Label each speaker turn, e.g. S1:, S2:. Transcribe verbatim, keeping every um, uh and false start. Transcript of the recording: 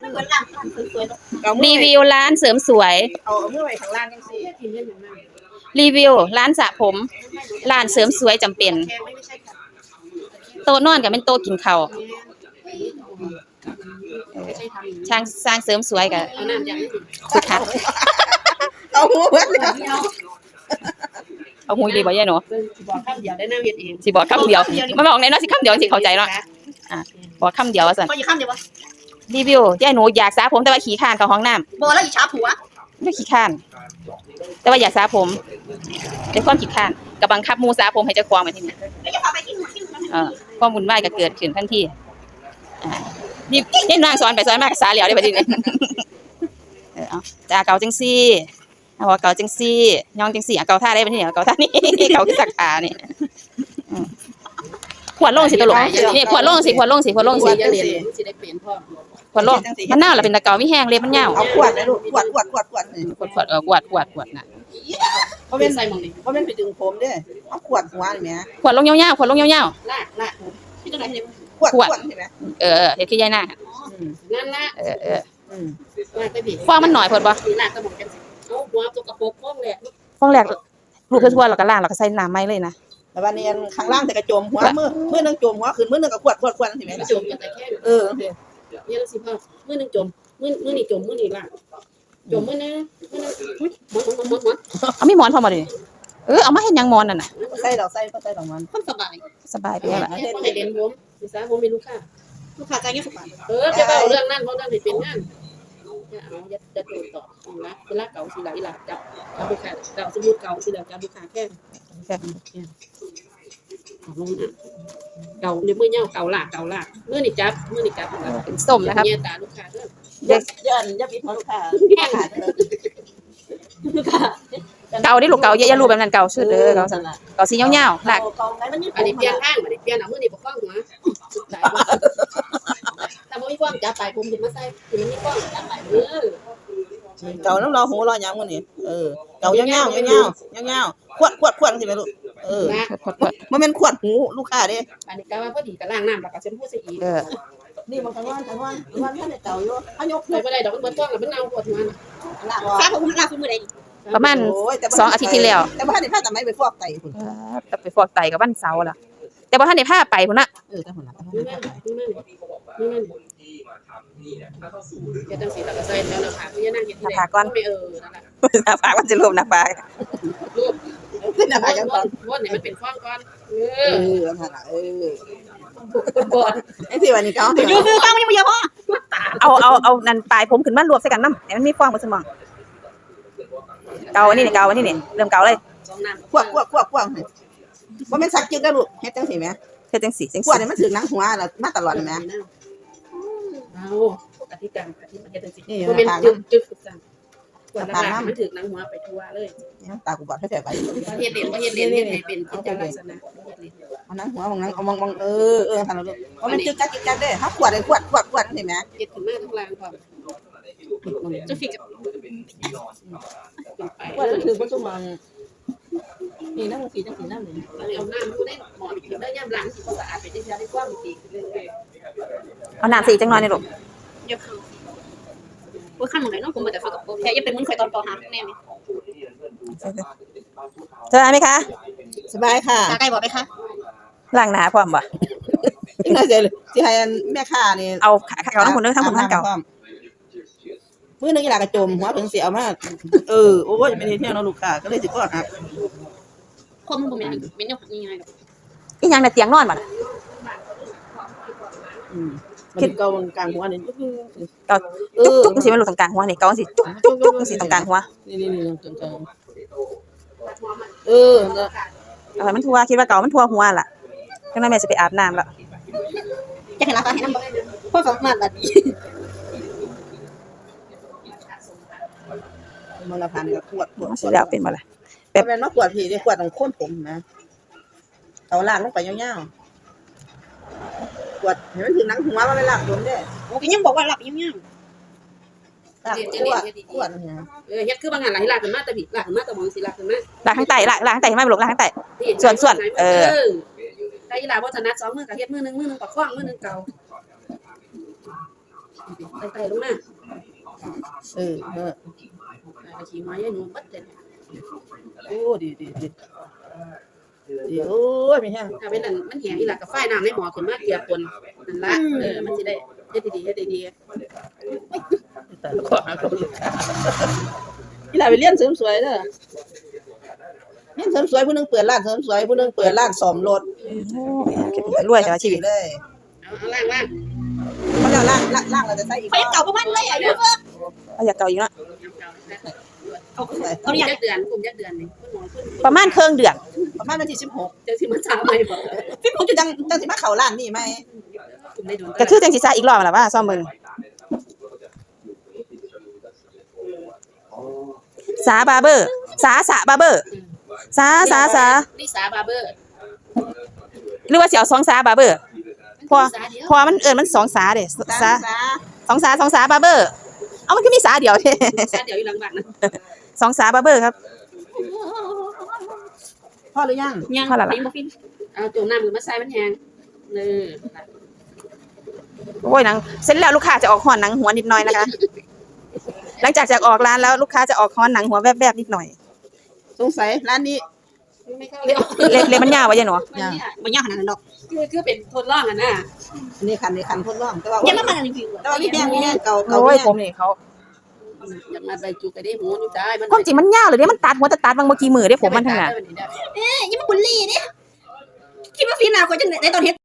S1: เหมือนร้านสวย
S2: ๆรีวิวร้านเสริมสวย
S1: เอาเมื่อไหร่ข้างล่างยังสิ
S2: รีวิวร้านสระผมร้านเสริมสวยจำเป็นโต๊ะนอนกับเป็นโต๊ะกินข้าวช่างสร้างเสริมสวยกับสุดท้าย
S1: เอาหัว
S2: เอาหุยดีบ่ยายหนู
S1: สิบอกคำเดียวได้น้ำเย็นเอง
S2: สิบอกคำเดียวมาบอกในนั้นสิคำเดียวสิเข้าใจเนาะอ่ะบอกคำเดียวว่าสั่น
S1: พออยู่คำเดียววะ
S2: รีวิวยายหนูอยากสระผมแต่ว่าขี้ข้านเข้าห้องน้ำ
S1: โบแล้วอีช้าผัว
S2: ไม่ขี้ข้านแต่ว่าอยากสระผมแต่ความขี้ข้านกับบังคับมูสระผมให้เจ้าของมาที่นี่เออความวุ่นวายก็เกิดขึ้นทันทีอ่านี่นี่นางสอนไปสอนมากสาเหลียวได้บัดนี้เออเอาจ้าเก่าจังซี่เอาเก่าจังซี่ย่องจังซี่เก่าท่าได้บัดนี้เก่าท่านี้เก่าสักขานี่ขวดลงสิตลกนี่ขวดลงสิขวดลงสิขวดลงสิ
S1: สิได้เปลี่ยนพ่อ
S2: ขวดลงมันเน่าล่ะเป็นตะเกาไม่แห้งเลยมันเน่า
S1: เอาขวดนะลูกขวดขวดขวดขวด
S2: ขวดขวดเออขวดขวดขวดน่ะ
S1: เพราะเป็นใส่หมองนี่เพราะเป็นไปดึงผมเด้เอาขวดหัวนี่แหม
S2: ขวดลงยาวๆขวดลงยาว
S1: ๆลากลากพี่จังได๋นี่ขวดขวดใช่มั้ย
S2: เออเฮ็ดคือยายนาง
S1: นั่นล่ะ
S2: เออเออ
S1: อืมลากไปดิ
S2: ฟองมันหน่อยเพิ่นบ่
S1: ลากกระบอกจังซี่เอาหัวตกกระปกฟองแรก
S2: ฟองแรกลูกทั่วๆแล้วก็ล้างแล้วก็ใส่น้ำใหม่เลยนะ
S1: แต่วันนี้ข้างล่างแต่กระโจมหัวมือมือนึงโจมหัวขึ้นมือนึงก็ขวดขวดขวดสิแม่โจมแต่แค่เออเนี่ยละสิพ่อมือนึงโจมมือมือนี่โจมมือนี่ล่ะโจมมือนึงมือนึงอุ๊ยหมอนหมอนหมอน
S2: เอามีหมอนพอมาดิเออเอามาเฮ็ดหยังหมอนนั่นน่ะ
S1: ใส่ดอกใส่ก็ใส่ดอกมันคนสบาย
S2: สบายไปแล้วล่ะ
S1: เฮ็ดให้เรียนผมสิซะผมมีลูกค้าลูกค้าจ่ายเงินสิบบาทเออจะเอาเรื่องนั้นเพราะนั่นสิเป็นงานจะเอาจะจะตรวจต่อนะเวลาเก่าสิหลายหลายจับจับลูกค้าเก่าสมมุติเก่าสิแล้วจับลูกค้าแค่
S2: แค่
S1: ลงนะเก่าในมือเน่าเก่าหลากเก่าหลากมือนี่จับมือนี่จับ
S2: เป็นส้มนะครับ
S1: เนี่ยตาลูกค้าเด้อยันยับปิดหัวลูกค้าลูกค้า
S2: เก่าดิลูกเก่าอย่ารูปแบบนั้นเก่าชื่อเด้อเก่าซั่นเก่าสียาวๆหลาก
S1: อันนี้เปลี่ยนข้างอันนี้เปลี่ยนเอามือนี่ปกป้องหัวแต่บ่มีความจับไปผมสิมาใส่สิมันมีความจับไปเออเก่าน้ำรอหูรอหยังมื้อนี้เออเก่ายาวๆยาวๆยาวๆขวดขวดขวดสิแม่ลูกเออบ่แม่นขวดหูลูกค้าเด้อันนี้ก็ว่าพอดีก็ล้างน้ำแล้วก็เช็ดหูใส่อีกเออนี่มันกันว่ากันว่าวันท่านเก่าอยู่เฮายกไปบ่ได้ดอกมันเบิดท้องแล้วมันเน่าปวดหัวน่ะฟ้าผมลาคือมื้อใด
S2: ประมาณสองอาทิตย์ที่แล้ว
S1: แต่บ่ทันได้พาตาไม้ไปฟอกไตพุ่น
S2: แต่ไปฟอกไตกับวันเสาร์ล่ะแต่บ่ทันได้พาไปพุ่นน่ะ
S1: เออแต่พุ่นน่ะนี่แม่นี่แม่นี่แม่จะต้องสิตะกะใส่แล้วนะค่ะพี่นางเฮ็ดที่ใดก่อนไปเออนั่นน่ะ
S2: หน้าผากมันสิรวมหน้าผาก
S1: รูปหน้าผากจังก่อนวนนี่มันเป็นข้องก่อนเออเออนั่นน่ะเออบ่ไอ้ที่ว่านี่เขาอยู่คือฟังมันยังบ่เยอะพอ
S2: เอาเอาเอานั่นปลายผมขึ้นมารวบใส่กันนำให้มันมีฟองบ่สมองเก่าอันนี้นี่เก่าอันนี้นี่เริ่มเก่าเลย
S1: ขวบๆๆๆบ่แม่นสักจึกได้ลูกเฮ็ดจังซี่แหม
S2: เฮ็ดจังซี่จังซี่
S1: ขวดนี่มันถึงหนังหัวแล้วมาตลอดแหมเอาอธิการอธิมันเฮ็ดจังซี่บ่แม่นจึกจึกจังขวดละมันถึงหนังหัวไปทั่วเลยตากูบอดแท้ๆไปเฮ็ดเด่นบ่เฮ็ดเด่นเฮ็ดให้เป็นกิจลักษณะเอาหนังหัวของหนังเอามองๆเออเออซั่นล่ะลูกบ่แม่นจึกจักจึกจักเด้เฮาขวดได้ขวดขวดขวดจังซี่แหมเฮ็ดขึ้นมาข้างล่างพร้อมจังซี่ก็ว่ามันถือบ่ซุมันนี่น้ำสีจังสีน้ำนี่เอาน้ำดูได้หมอนถึงได้ย่ำล้างสิสะอาดเป็นจังซี่ได้กว้างดีขึ้นเรื่อย
S2: ๆเอาน้ำสีจังหน่อยนี่ลูก
S1: อย่าเข้าว่าคั่นหม้องใดเนาะผมบ่ได้เข้ากับแค่อย่าเป็นมึงข่อยตอนป.ห้าแน่นี่
S2: สบายมั้ยคะ
S1: สบายค่ะใกล้บ่ไปคะ
S2: ล้างหน้าพร้อมบ่
S1: จังได๋สิสิให้แม่ค้านี่
S2: เอาขาเก่าทั้งคนเด้อทั้งคนทั้งเก่า
S1: มื้อนึงอีหลากระจมหัวเพิ่นสิเอามาเออโอ้ยเป็นเฮ็ดแนวเนาะลูกค้าก็เลยสิก่อหักความมันบ่แม่นแม่นแนวง่ายๆดอก
S2: อีหยังน่ะเตียงนอนบ่ล่ะ
S1: อืมมันเก่ากลางหัวนี่
S2: เก่าจุกๆจังซี่มันลงตรงกลางหัวนี่เก่าจังซี่จุกๆๆจังซี่ตรงกลางหัว
S1: นี่ๆๆตรงกลางเออ
S2: เอาให้มันทั่วคิดว่าเก่ามันทั่วหัวล่ะจังนั้นแม่สิไปอาบน้ำล่ะ
S1: จะให้รับให้นำบ่พอสามารถบัดนี้มันละพันก็ขวดขวด
S2: สิแล้วเป็นบ่ล่ะ
S1: แบบแม่นมาขวดพี่ได้ขวดของคนผมนะเอาลากลงไปยาวๆขวดให้มันถึงหนังหัวมันไม่ลากโดนเด้โอ้ก็ยังบอกว่าลากยาวๆลากขวดขวดนะเออเฮ็ดคือบางงานหลายลากขึ้นมาแต่พี่ลากขึ้นมาแต่มองสิลากขึ้นมา
S2: ลากข้างใต้ลากลากข้างใต้ให้มันบ่ลงลากข้างใต้ส่วนๆเออ
S1: ได้อีหลาบ่ถนัดสองมือก็เฮ็ดมือนึงมือนึงประคองมือนึงเก่าไต่ๆลงมา
S3: เออเออ
S1: ไต่ขี้หัวยายหนูบัดเด็ด
S3: โอ้ดีดีดีดีโอ้ยมีแห้ง
S1: ถ้าเป็นนั่นมันแห้งอีหล่ะก็ฝ้ายน้ำในหม้อขึ้นมาเกลี่ยปนนั่นล่ะเออมันสิได้เฮ็ดดีๆเฮ็ดดี
S3: แต่ขอหาเขาอีกนี่ล่ะไปเรียนเสริมสวยเด้อเรียนเสริมสวยผู้นึงเปิดร้านเสริมสวยผู้นึงเปิดร้านซ่อมรถ
S2: รวยแต่ว่าชีวิต
S3: เลย
S1: ๆเอาเอาล่างๆ
S3: เขาจะล่างล่างล่างเราจะใส่อีก
S1: ไปเก่าประมาณเลยอายุ
S2: เอาอยากเก่าอีกเนาะ
S1: เขาเขาอยากเดือนกลุ่มยักเดือนนี่คุณหมอคุณ
S2: ประมาณครึ่งเดือน
S3: ประมาณวันที่สิบหก
S1: จังสิมาถามใหม่บ่
S3: สิบหกจะจังจังสิมาเข้าร้านนี่ไหม
S1: กลุ่มได้โดน
S2: ก็คือจังสิซาอีกรอบล่ะว่าซ่อมเบิ่งสาบาร์เบอร์ สาสาบาร์เบอร์ สาสาสา
S1: ลิสาบาร์เบอร์
S2: หรือว่าสิเอาสองสาบาร์เบอร์พอพอมันเอิ้นมันสองสาเด้สาสองสาสองสาบาร์เบอร์ เอามันคือมีสาเดียวเด้
S1: สาเดี๋ยวอยู่หลังบ้านนะ
S2: สองสาบาร์เบอร์ครับ
S3: พ่อหรือยัง
S1: ยัง
S2: พอและล่ะ
S1: ปิ้งบ่ฟินเอาจุ่มน้ำขึ้นมาใส่มันแห้งเออ
S2: โอ้ยหนังเสร็จแล้วลูกค้าจะออกฮ้อนหนังหัวนิดหน่อยนะคะ หลังจากจากออกร้านแล้วลูกค้าจะออกฮ้อนหนังหัวแวบๆนิดหน่อย
S3: สงสัยร้านนี้
S1: ไม่เข้าเลย
S2: เล็กเล็กมันยาวไว้ยังหนู
S1: ยังบ่ยากขนาดนั้นหรอกคือคือเป็นทดลองอ่ะนะ
S3: อันนี้คันนี้คันทดลองแต่ว่า
S1: ยังมามารีวิว
S3: แต่ว่ามีแห้งมีแห้งเก่าเก่า
S2: โอ้ย
S3: แห้
S2: ผ
S3: ง
S2: มนี่เขา
S1: อยากมาใบจุกก็ได้หูนี่ได้มัน
S2: ความจริงมันยาวเลยเด้มันตัดหัวแต่ตัดบางเมื่อกี้มือเด้ผมมันทั้งนั้น
S1: เอ๊ะยังมาบุลลี่เด้คิดว่าฟินน่ะก็จังได๋ตอนเฮ็ด